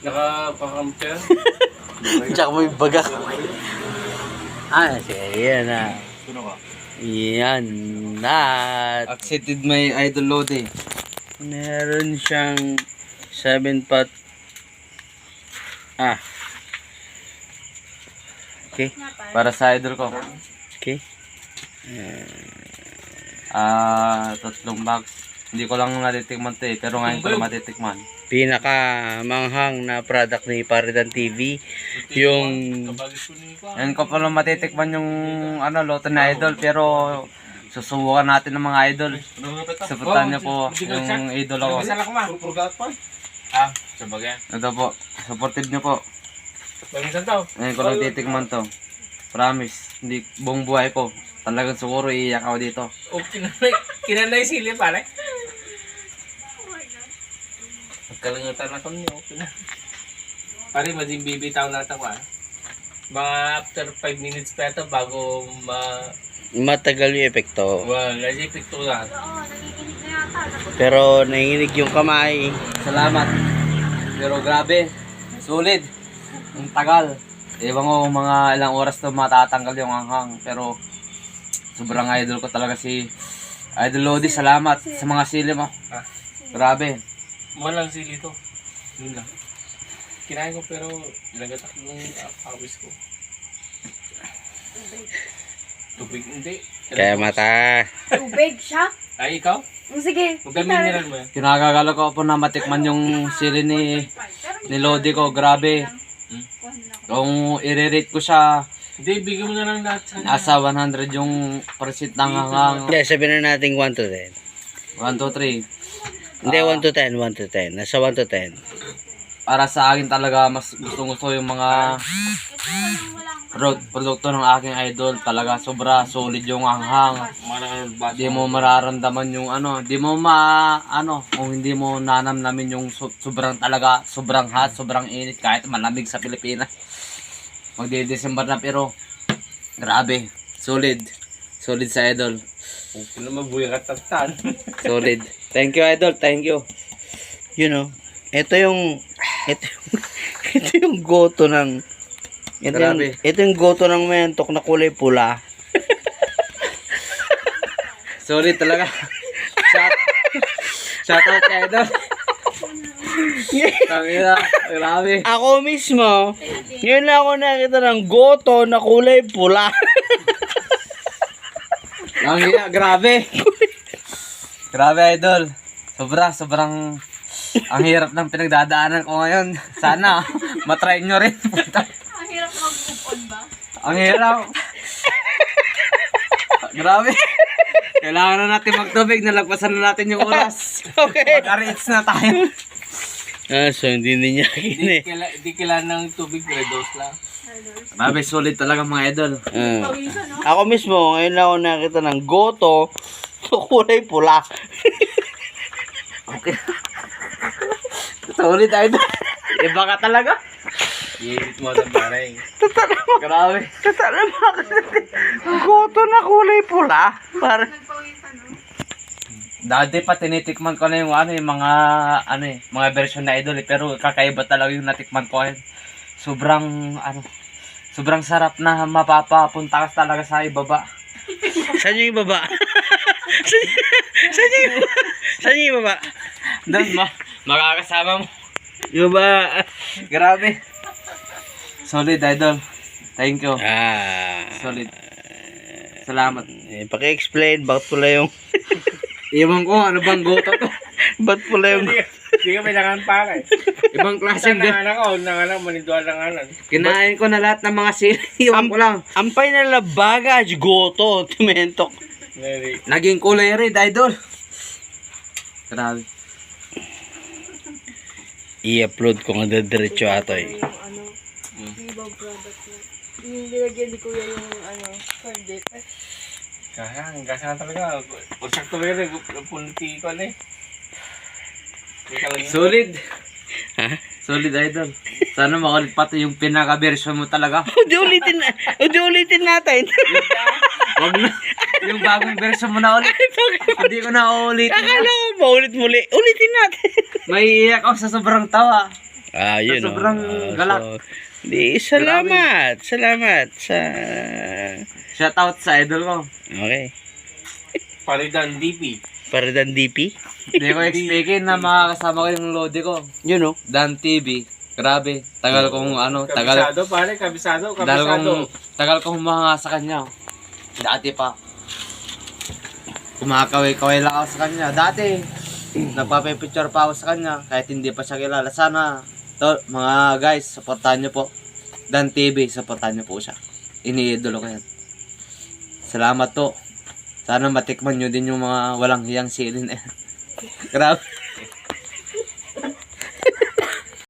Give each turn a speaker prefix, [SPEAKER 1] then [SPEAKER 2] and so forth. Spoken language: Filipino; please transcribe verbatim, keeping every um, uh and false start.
[SPEAKER 1] Naka-pakampya.
[SPEAKER 2] Tsaka may bagak. Ah, sige, yan na.
[SPEAKER 1] Tuno ka.
[SPEAKER 2] Yan na.
[SPEAKER 3] Accepted my idol Lodi.
[SPEAKER 2] Meron siyang seven pot. Ah. Okay.
[SPEAKER 3] Para sa idol ko.
[SPEAKER 2] Okay.
[SPEAKER 3] Ah, tatlong box. Hindi ko lang natitikman to eh, pero ngayon ko lang matitikman.
[SPEAKER 2] Pinaka manghang na product ni Paritan T V. Yung
[SPEAKER 3] Ngayon ko pa lang matitikman yung ano, loto na idol, pero susubukan natin ng mga idol. Supportan niyo po yung idol ako.
[SPEAKER 1] Ah, sabagay.
[SPEAKER 3] Ito po, supported niyo po.
[SPEAKER 1] Bagisan tao.
[SPEAKER 3] Ngayon ko lang titikman to. Promise, hindi buong buhay ko. Talagang siguro iiyak ako dito.
[SPEAKER 1] O, kinanay, kinanay sili pare. Magkalangutan ako niyo. Pare, mading bibitaw natin ko ah. Mga after five minutes pa ito bago ma...
[SPEAKER 2] matagal yung epekto.
[SPEAKER 1] Well, kasi epekto lahat.
[SPEAKER 2] Pero nanginginig yung kamay.
[SPEAKER 3] Salamat. Pero grabe, solid. Ang tagal. Ewan ko mga ilang oras to matatanggal yung hanghang. Pero sobrang idol ko talaga si Idol Lodi. Salamat sa mga sili mo. Grabe.
[SPEAKER 1] Walang sili to. Yun lang. Kinain ko pero nagatak yung awis ko. Tubig hindi.
[SPEAKER 2] Kaya mata.
[SPEAKER 4] Tubig siya?
[SPEAKER 1] Ay, ikaw?
[SPEAKER 4] Oh, sige.
[SPEAKER 1] Magdamineral mo yan.
[SPEAKER 3] Kinagagala ko po na matikman yung sili ni, ni Lodi ko. Grabe. Kung i-rate ko siya,
[SPEAKER 1] Hindi, bigyan mo na lang lahat sa
[SPEAKER 3] nasa one hundred yung percent ng hanghang.
[SPEAKER 2] Hindi, sabihin na natin one to ten.
[SPEAKER 3] one, two, three.
[SPEAKER 2] Hindi, one to ten, one to ten. Nasa one to ten.
[SPEAKER 3] Para sa akin talaga mas gusto gusto yung mga pro- produkto ng aking idol. Talaga sobra solid yung hanghang. Di mo mararamdaman yung ano, di mo ma ano, kung hindi mo nanamnamin yung so, sobrang talaga, sobrang hot, sobrang init kahit malamig sa Pilipinas. Magde-December na pero grabe, solid. Solid sa idol.
[SPEAKER 1] Okay na mabuhay ka tatan.
[SPEAKER 2] Solid. Thank you, idol. Thank you. You know, ito yung ito yung, ito yung goto ng ito yung,
[SPEAKER 3] Grabe.
[SPEAKER 2] ito yung goto ng mentok na kulay pula.
[SPEAKER 3] Solid talaga. Shout, shout out kay idol. Tangina, grabe.
[SPEAKER 2] Ako mismo, yun lang ako nakita ng goto na kulay pula.
[SPEAKER 3] Tangina, grabe. Grabe idol. Sobra, sobrang ang hirap ng pinagdadaanan ko ngayon. Sana matry nyo rin.
[SPEAKER 4] Ang hirap mag-move on ba?
[SPEAKER 3] Ang hirap. Grabe. Kailangan na natin magtubig. Nalagpasan na natin yung oras.
[SPEAKER 2] Okay.
[SPEAKER 3] Mag-arits na tayo.
[SPEAKER 2] Ah, so hindi niya
[SPEAKER 1] Hindi
[SPEAKER 2] kini.
[SPEAKER 1] kaila, di kailangan ng tubig, red dose lang.
[SPEAKER 3] Grabe, solid talaga mga idol.
[SPEAKER 2] Ah.
[SPEAKER 4] Pawisan, no?
[SPEAKER 2] Ako mismo, ngayon lang ako nakita ng goto na kulay pula.
[SPEAKER 3] Okay. Solid idol. Iba ka talaga.
[SPEAKER 1] I-edit mo na pare.
[SPEAKER 3] Grabe.
[SPEAKER 2] Totoo bakit goto na kulay pula? Para
[SPEAKER 4] Nagpawisan, no?
[SPEAKER 3] Dati pa tinitikman ko na yung ano yung mga ano eh, mga version na idol eh, pero kakaiba talaga yung natikman ko ngayon. Sobrang ano, sobrang sarap na mapapapunta ka talaga sa ibaba.
[SPEAKER 2] saan yung ibaba? saan, saan yung ibaba? Saan yung ibaba?
[SPEAKER 3] Doon ma, makakasama mo.
[SPEAKER 2] Yung ba?
[SPEAKER 3] Grabe. Solid idol. Thank you.
[SPEAKER 2] Ah.
[SPEAKER 3] Solid. Salamat.
[SPEAKER 2] Eh, paki-explain bakit pula yung
[SPEAKER 3] Iwan ko ano bang goto to.
[SPEAKER 2] bakit pula yung
[SPEAKER 1] Hindi ka kailangan pare.
[SPEAKER 3] Ibang klase
[SPEAKER 1] Kasi
[SPEAKER 3] din.
[SPEAKER 1] nangalan ko, nangalan, manidwa nangalan.
[SPEAKER 3] Kinain ko na lahat ng mga sili. Iwan ko lang.
[SPEAKER 2] ampay na labagaj goto tumentok.
[SPEAKER 1] Neri.
[SPEAKER 3] Naging kulay red idol. Grabe.
[SPEAKER 2] I-upload ko nga diretso ato eh.
[SPEAKER 4] Yung ano, yung ibang product na. Yung nilagyan ni Kuya yung ano, corn dip.
[SPEAKER 1] Kaya, hanggang saan talaga. Pagsak talaga rin, punti ko na eh.
[SPEAKER 3] Solid.
[SPEAKER 2] Ha?
[SPEAKER 3] Solid idol. Sana makulit pati yung pinaka-version mo talaga.
[SPEAKER 2] Udi ulitin na. Udi ulitin natin.
[SPEAKER 3] Wag na. Yung bagong version mo na ulit. Hindi ko na uulitin.
[SPEAKER 2] Akala ko maulit muli. Ulitin natin.
[SPEAKER 3] May iyak ako sa sobrang tawa.
[SPEAKER 2] Ah, yun
[SPEAKER 3] So, sobrang
[SPEAKER 2] oh. Ah,
[SPEAKER 3] galak.
[SPEAKER 2] so, di, salamat. Salamat sa...
[SPEAKER 3] Shoutout sa idol ko.
[SPEAKER 2] Okay.
[SPEAKER 1] Paridan D P.
[SPEAKER 2] Para dan D P.
[SPEAKER 3] Hindi ko expectin na makakasama ko yung lodi ko.
[SPEAKER 2] You know.
[SPEAKER 3] Dan T V. Grabe. Tagal kong ano, tagal,
[SPEAKER 1] Kabisado pare, kabisado,
[SPEAKER 3] tagal kong,
[SPEAKER 1] kabisado.
[SPEAKER 3] tagal kong humanga sa kanya. Dati pa. Kumakaway-kaway lang ako sa kanya. Dati, nagpapipicture pa ako sa kanya kahit hindi pa siya kilala. Sana, to, mga guys, supportahan nyo po. Dan T V, supportahan nyo po siya. Iniidolo ko yan. Salamat to. Sana matikman nyo din yung mga walang hiyang silin eh. Grabe.